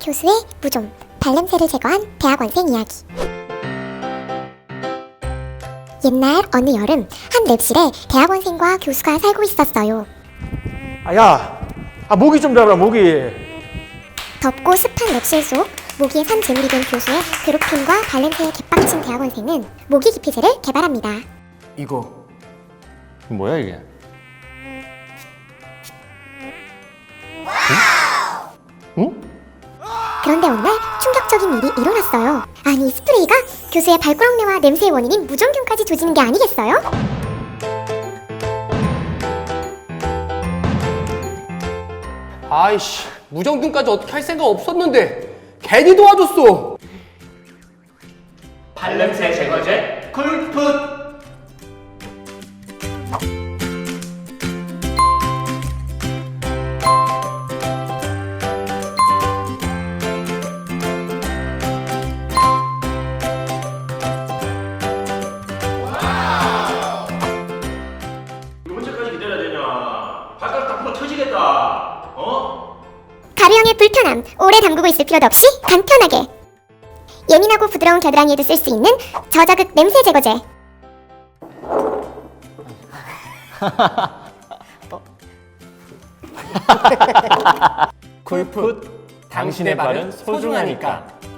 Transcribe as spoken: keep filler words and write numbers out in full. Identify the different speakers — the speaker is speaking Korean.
Speaker 1: 교수의 무좀, 발냄새를 제거한 대학원생 이야기. 옛날 어느 여름 한 랩실에 대학원생과 교수가 살고 있었어요.
Speaker 2: 아야, 아 모기 좀 잡아라 모기.
Speaker 1: 덥고 습한 랩실 속 모기에 산 재물이 된 교수의 괴롭힘과 발냄새에 개빡친 대학원생은 모기 기피제를 개발합니다.
Speaker 2: 이거 뭐야 이게? 응? 응?
Speaker 1: 그런데 어느 날 충격적인 일이 일어났어요. 아니, 스프레이가 교수의 발꾸락내와 냄새의 원인인 무좀균까지 조지는 게 아니겠어요?
Speaker 3: 아이씨, 무정균까지 어떻게 할 생각 없었는데 괜히 도와줬어.
Speaker 4: 발냄새 제거제 쿨풋. 언제까지 기다려야 되냐? 발가락 다 부러 터지겠다. 어?
Speaker 1: 가루형의 불편함, 오래 담그고 있을 필요도 없이 간편하게. 예민하고 부드러운 겨드랑이에도 쓸 수 있는 저자극 냄새 제거제.
Speaker 2: 쿨풋, 당신의 발은 소중하니까.